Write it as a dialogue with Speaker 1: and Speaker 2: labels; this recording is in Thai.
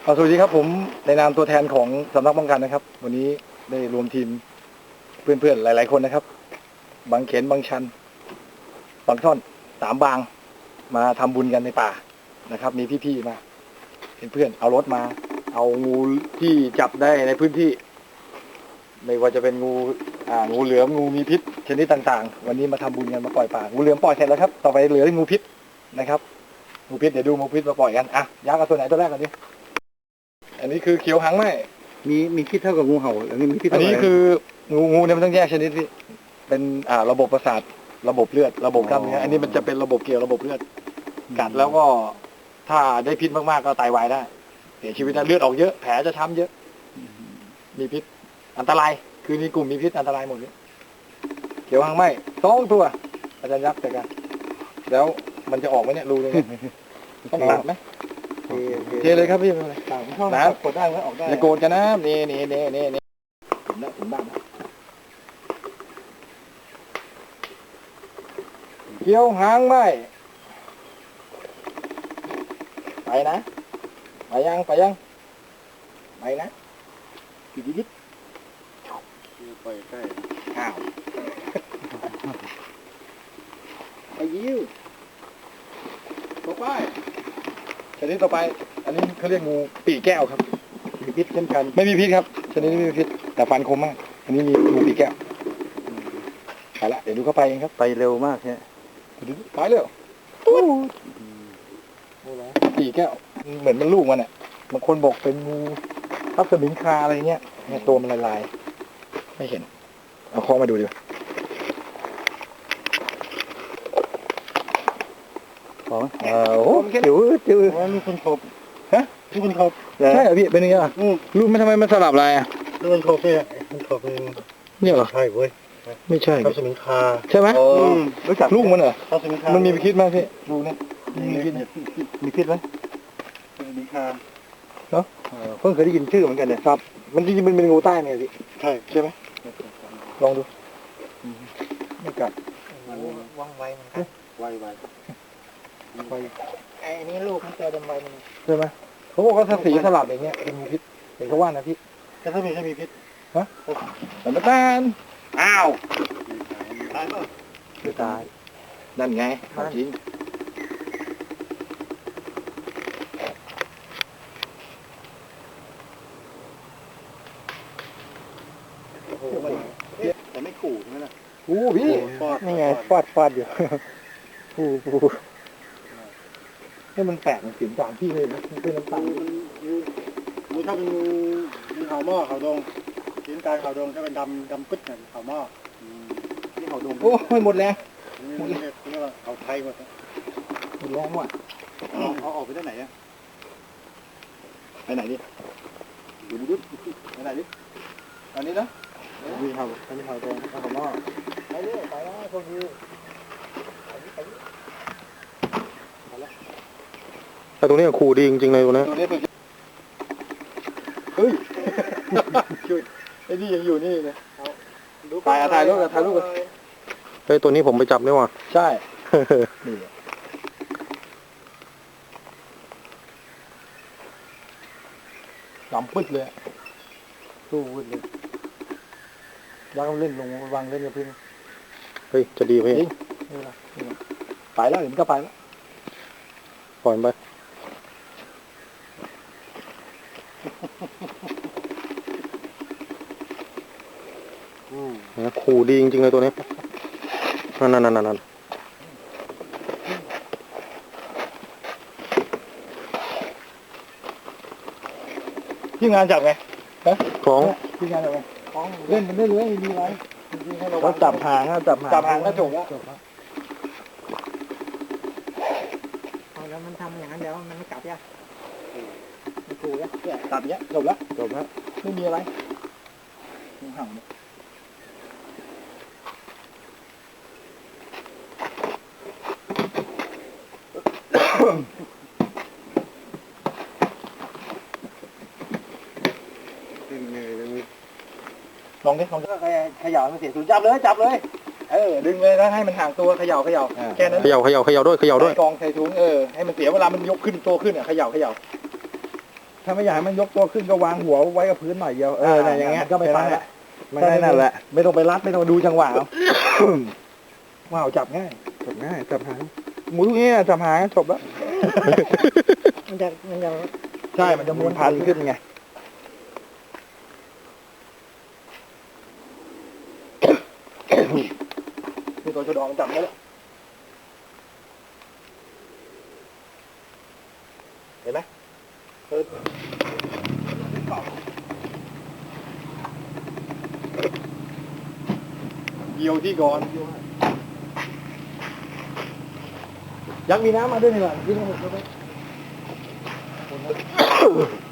Speaker 1: สวัสดีครับผมในนามตัวแทนของสำนักป้องกันนะครับ วันนี้ได้รวมทีมเพื่อนๆหลายๆคนนะครับบางเขนบางชันบางท่อนสามบางมาทำบุญกันในป่านะครับ มีพี่ๆมาเป็นเพื่อนเอารถมา เอางูที่จับได้ในพื้นที่ ไม่ว่าจะเป็นงูเหลือมงูมีพิษชนิดต่างๆ วันนี้มาทำบุญกันมาปล่อยป่างูเหลือมปล่อยเสร็จแล้วครับต่อไปเหลืองูพิษนะครับงูพิษเดี๋ยวดูงูพิษมาปล่อยกันยักษ์เอาตัวไหนตัวแรกก่อนดิอันนี้คือเขียวหางไหม
Speaker 2: มีพิษเท่ากับงูเห่าอันนี้มีพิษ
Speaker 1: อันนี้คืองูเนี่ยมันต้องแยกชนิดพี่เป็นระบบประสาทระบบเลือดระบบกล้ามเนื้ออันนี้มันจะเป็นระบบเกี่ยวระบบเลือดกัดแล้วก็ถ้าได้พิษมากๆก็ตายวายได้เสียชีวิตนะเลือดออกเยอะแผลจะช้ำเยอะมีพิษอันตรายคือในกลุ่มมีพิษอันตรายหมดเลยเขียวหางไหม2 ตัวอาจารย์ยักษ์แต่กันแล้วมันจะออกไหมเนี่ยรูตรงนี้ต้องตัดไหมเทเลยครับพี่ไม่เป็นไรน้ำกดได้ไหมออกได้อย่าโกรธกันนะนี่ผมบ้างเกี่ยวหางไหมไปนะไปยังไปนะยิด
Speaker 2: ไปใกล้
Speaker 1: อ้าวไปยิ้วต่อไปชนิดต่อไปอันนี้เขาเรียกงูปีกแก้วครับมีพิษเช่นกันไม่มีพิษครับชนิดนี้ไม่มีพิษแต่ฟันคมมากอันนี้มีงูปีกแก้วไปละเดี๋ยวดูเข้าไปเองครับ
Speaker 2: ไปเร็วมากใช่
Speaker 1: ไปเร็วปีกแก้วเหมือนมันลูกมันอ่ะบางคนบอกเป็นงูทับสมิงคาอะไรเงี้ยเนี่ยตัวมันลายๆไม่เห็นเอาคอมาดูดิ
Speaker 2: ของโอ้จิ๋วว่าลูกคนขบ
Speaker 1: ฮะ
Speaker 2: ลูกคนขบ
Speaker 1: ใช่เหรอพี่เป็นยังไงอ่ะลูกมันทำไมมันสลับลายอ่ะ
Speaker 2: ลูกคนขบเนี่ยคนขบ
Speaker 1: เนี่ยเหรอ
Speaker 2: ใช่เว้ย
Speaker 1: ไม่ใช่
Speaker 2: ทับสมิงคา
Speaker 1: ใช่ไหมรู้จักลูกมันเหรอ
Speaker 2: ทับสมิงคา
Speaker 1: มันมีพิษไหมพี่ลูกเนี่ยมีพิษไหม
Speaker 2: ทับสมิงคา
Speaker 1: เนาะเพิ่งเคยได้ยินชื่อเหมือนกันเนี่ยครับมันจริงๆมันเป็นงูใต้เนี่ยพี่ใช่ไหมลองดูไม่กัด
Speaker 3: ว่องไวเหมือนกัน
Speaker 2: ไว
Speaker 3: ไอ้นี่ลูกมันจะดำไวมัน
Speaker 1: ใช่ไหมเขาบอกว่าถ้าสีสลับอย่างเงี้ยเป็นงูพิษเห็นเขาว่านะพี่
Speaker 2: แต่ถ้ามีพิษ
Speaker 1: ฮะแต่ไม่ตานอ้าว
Speaker 2: ตายป่ะ
Speaker 1: ไม่ตายนั่นไงจริง
Speaker 2: แต่ไม่ขู่ใช่ไหมล่ะ
Speaker 1: พี่นี่ไงฟาดอยู่ให้มันแปลกมันสีต่างพี่เลยนะมันเป็นน้ำตาล
Speaker 2: งูถ้าเป็นงูเห่าหม้อเห่าดงสีน้ำตาลเห่าดงถ้าเป็นดำปึ๊ดเนี่ยเห่าหม้อนี่เห่าดง
Speaker 1: โอ้ยหมดแรง
Speaker 2: นี่ว่าเห่าไทยหมด
Speaker 1: แรงว่ะ
Speaker 2: เอาออกไปได้ไหนอ่ะ
Speaker 1: ไปไหนดิ
Speaker 2: ดูไปไหนดิ
Speaker 1: อันนี้นะ
Speaker 2: มีเห่าดงเห่าหม้อ
Speaker 1: ไปเรื่อยไปแล้วพวกนี้
Speaker 2: แต่ตรงนี้ขู่ดีจริงๆเลยตัวนี้
Speaker 1: เฮ้ยไอ้นี่ยังอยู่นี่เลยถ่ายรูปกัน
Speaker 2: เฮ้ยตัวนี้ผมไปจับนี่ว่ะ
Speaker 1: ใช่นี่ดำปึ๊ดเลยตู้ปึ๊ดเลยยักษ์เล่นลงวางเล่นกับพึ่ง
Speaker 2: เฮ้ยจะดีพี่
Speaker 1: ไปแล้วเดี๋ยวมันก็ไปแล้ว
Speaker 2: ปล่อยไปขู่ดีจริงๆเลยตัวนี้นั่น
Speaker 1: ที่งานจับไง
Speaker 2: ของ
Speaker 1: ที่งานจับไงเล่นมันได้เลยมีอะไรเราจับหางก็จบแล้ว
Speaker 3: แล้วมันทำอย่างนั้นเดี๋ยวมันไม่กลับยังมันขู่ยัง
Speaker 1: ตัดเนี้ยจบแล้วไม่มีอะไรงูเห่าเนี่ยลองดิขย่ามันเสียสูญจับเลยดึงเลยแล้วให้มันห่างตัวเขย่าแค่นั้น
Speaker 2: เขย่าด้วย
Speaker 1: กองใส่ถุงให้มันเสียเวลามันยกขึ้นโตขึ้นเขย่าถ้าไม่อยากให้มันยกตัวขึ้นก็วางหัวไว้กับพื้นหน่อยเดียวเนี่ยอย่างเงี้ย
Speaker 2: ก็ไม่ไป
Speaker 1: แค่
Speaker 2: ละ
Speaker 1: มันได้นั่นแหละ ไม่ต้องไปรัดไม่ต้องดูจังหวะเอา ว้าวจับง่ายจับหางหมูทุกนี้จับหางจบแล้ว
Speaker 3: มันจะ
Speaker 1: ใช่มันจะม้วนพันขึ้นไงนี่ตัวชะดองจับได้แล้วเห็นไหมเกี่ยวที่ก่อนยักษ์มีน้ำมาด้วยนี่หว่าที่นี่